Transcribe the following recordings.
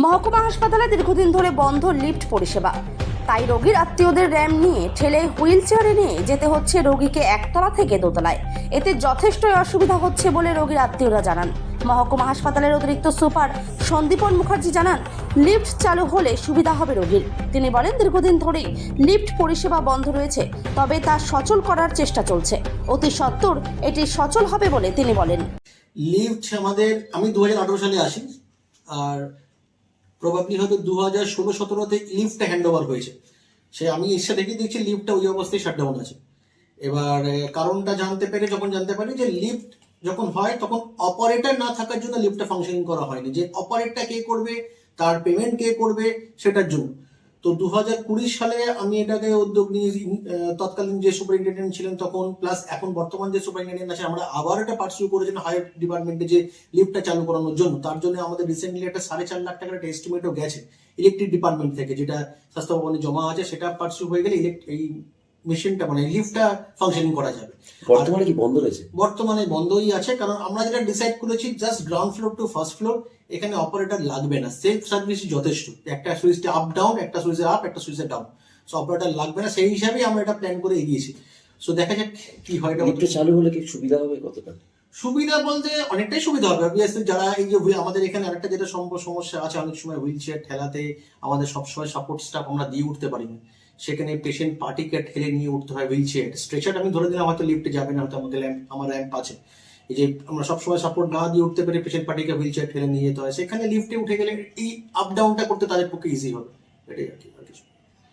মহকুমা হাসপাতালে দীর্ঘদিন ধরে বন্ধ লিফট পরিষেবা, তাই রোগীর আত্মীয়দের র্যাম্প নিয়ে ঠেলে হুইল চেয়ারে নিয়ে যেতে হচ্ছে রোগীকে একতলা থেকে দোতলায়। এতে যথেষ্টই অসুবিধা হচ্ছে বলে রোগীর আত্মীয়রা জানান। মহকুমা হাসপাতালের অতিরিক্ত সুপার সন্দীপন মুখার্জি জানান, লিফট চালু হলে সুবিধা হবে রোগীর। তিনি বলেন, দীর্ঘদিন ধরেই লিফট পরিষেবা বন্ধ রয়েছে, তবে তা সচল করার চেষ্টা চলছে। অতি সত্বর এটি সচল হবে বলে তিনি বলেন। লিফট আমাদের আমি 2018 সালে আসি, আর প্রবাবলি হয়তো 2016-17তে লিফটটা হ্যান্ড ওভার হয়েছে। সে আমি এসে দেখে দেখছি লিফটটা ওই অবস্থায় শাটডাউন আছে। এবার কারণটা জানতে পারি যে লিফট যখন হয় তখন অপারেটর না থাকার জন্য লিফটটা ফাংশনিং করা হয়নি। যে অপারেটরটা কে করবে, তার পেমেন্ট কে করবে, সেটার জন্য। তো 2020 সালে আমি এটাকে উদ্যোগ নিয়ে তৎকালীন যে সুপারিনটেন্ডেন্ট ছিলেন তখন, প্লাস এখন বর্তমান যে সুপারিনটেন্ডেন্ট আছে, আমরা আবার একটা পার্সিউ করেছেন হায়ার ডিপার্টমেন্টে যে লিফটটা চালু করানোর জন্য। তার জন্য আমাদের রিসেন্টলি একটা 4.5 লাখ টাকার একটা এস্টিমেটও গেছে ইলেকট্রিক ডিপার্টমেন্ট থেকে, যেটা স্বাস্থ্য ভবনে জমা আছে। সেটা পার্সিউ হয়ে গেলে এই মেশিনটা মানে লিফটটা ফাংশনিং করা যাবে। বর্তমানে কি বন্ধ রয়েছে? বর্তমানে বন্ধই আছে, কারণ আমরা যেটা ডিসাইড করেছি just ground floor to first floor, এখানে অপারেটর লাগবে না। সেলফ সার্ভিস যথেষ্ট, একটা সুইচে আপ ডাউন, একটা সুইচে আপ, একটা সুইচে ডাউন, সো অপারেটর লাগবে না। সেই হিসাবেই আমরা এটা প্ল্যান করে এগিয়েছি। সো দেখা যাক কি হয়। লিফট চালু হলে কি সুবিধা হবে কতটা? সুবিধা বলতে অনেকটাই সুবিধা হবে। অবভিয়াসলি যারা এই যে আমাদের এখানে আরেকটা যেটা সমস্যা আছে, অনেক সময় হুইল চেয়ার ঠেলাতে আমাদের সবসময় সাপোর্ট স্টাফ আমরা দিয়ে উঠতে পারি না। সেখানে পেশেন্ট পার্টিকে ঠেলে নিয়ে উঠতে হয় হুইল চেয়ার। স্ট্রেচার আমি ধরে দিলাম হয়তো লিফটে যাবে না, হয়তো আমাদের আমার র্যাম্প আছে। এই যে আমরা সবসময় সাপোর্ট না দিয়ে উঠতে পারি, পেশেন্ট পার্টিকে হুইল চেয়ার ঠেলে নিয়ে যেতে হয়। সেখানে লিফটে উঠে গেলে এই আপ ডাউনটা করতে তাদের পক্ষে ইজি হবে। এটাই আর কি, আর কিছু।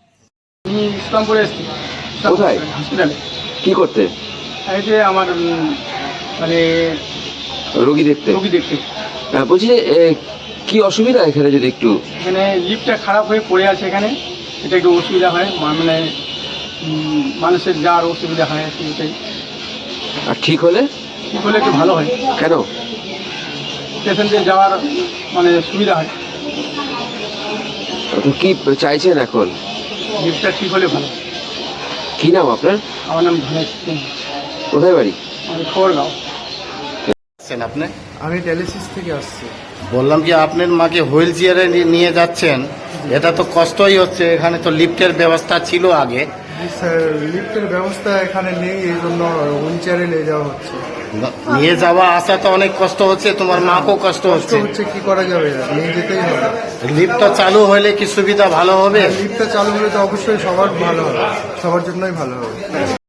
আমি ইসলামপুরে এসেছি। কোথায়? হসপিটালে। কি করতে? এই যে আমার মানে রোগী দেখতে। বলছি যে কি অসুবিধা এখানে, যদি একটু। এখানে লিফটটা খারাপ হয়ে পড়ে আছে, এখানে এটা একটু অসুবিধা হয়, মানে মানুষের যাওয়ার অসুবিধা হয় আর কি। এটাই আর ঠিক হলে একটু ভালো হয়। কেন? পেশেন্টদের যাওয়ার মানে সুবিধা হয়। তো কি চাইছেন এখন? লিফটটা ঠিক হলে ভালো। কি নাম আপনার? আমার নাম ধনেশ সিং। কোথায় বাড়ি? আমি খবরগাঁও। আপনি? আমি ডায়ালিসিস থেকে আসছি। বললাম যে আপনার মাকে হুইল চেয়ারে নিয়ে যাচ্ছেন, এটা তো কষ্টই হচ্ছে। এখানে তো লিফটের ব্যবস্থা ছিল আগে। স্যার, লিফটের ব্যবস্থা এখানে নেই, এই জন্য হুইল চেয়ারে নিয়ে যাওয়া হচ্ছে। নিয়ে যাওয়া আসা তো অনেক কষ্ট হচ্ছে, তোমার মাকেও কষ্ট হচ্ছে। কি করা যাবে, নিয়ে যেতেই হবে। লিফটটা চালু হলে কি সুবিধা ভালো হবে? লিফটটা চালু হলে তো অবশ্যই সবার ভালো হবে, সবার জন্যই ভালো হবে।